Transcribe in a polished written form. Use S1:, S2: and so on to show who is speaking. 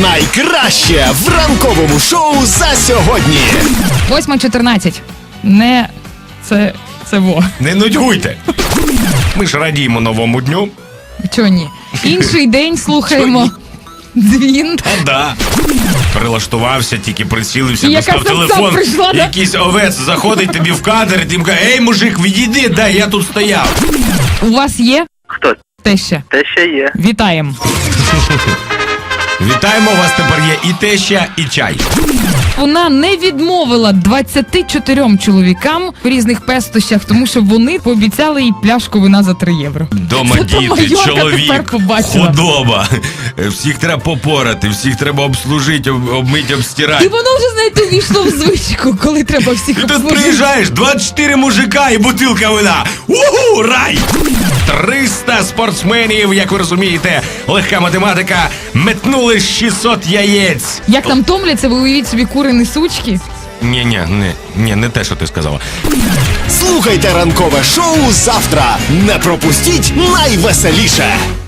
S1: Найкраще в ранковому шоу за сьогодні.
S2: 8:14. Не це во.
S3: Не нудьгуйте. Ми ж радіємо новому дню.
S2: Чого ні? Інший день слухаємо. Дзвін.
S3: Да. Прилаштувався, тільки прицілився,
S2: І
S3: достав
S2: яка сам
S3: телефон.
S2: прийшла, да?
S3: Якийсь овець заходить тобі в кадр, і ти йому каже: ей, мужик, відійди, дай, я тут стояв.
S2: У вас є
S4: Хто?
S2: теща?
S4: Те ще є.
S2: Вітаємо.
S3: Вітаємо, у вас тепер є і теща, і чай.
S2: Вона не відмовила 24 чоловікам в різних пестощах, тому що вони пообіцяли їй пляшку вина за 3 євро.
S3: Дома
S2: Це
S3: діти,
S2: Майорка тепер
S3: чоловік,
S2: побачила.
S3: худоба. Всіх треба попорати, всіх треба обслужити, обмити,
S2: І
S3: обстирати.
S2: воно вже, знаєте, увійшло в звичку, коли треба всіх
S3: І тут
S2: обслужити.
S3: приїжджаєш, 24 мужика і бутилка вина. Угу, рай! 300 спортсменів, як ви розумієте, легка математика, метнули 600 яєць.
S2: Як там томляться, ви уявіть собі кури несучки.
S3: Ні, не те, що ти сказала.
S1: Слухайте ранкове шоу завтра. Не пропустіть найвеселіше.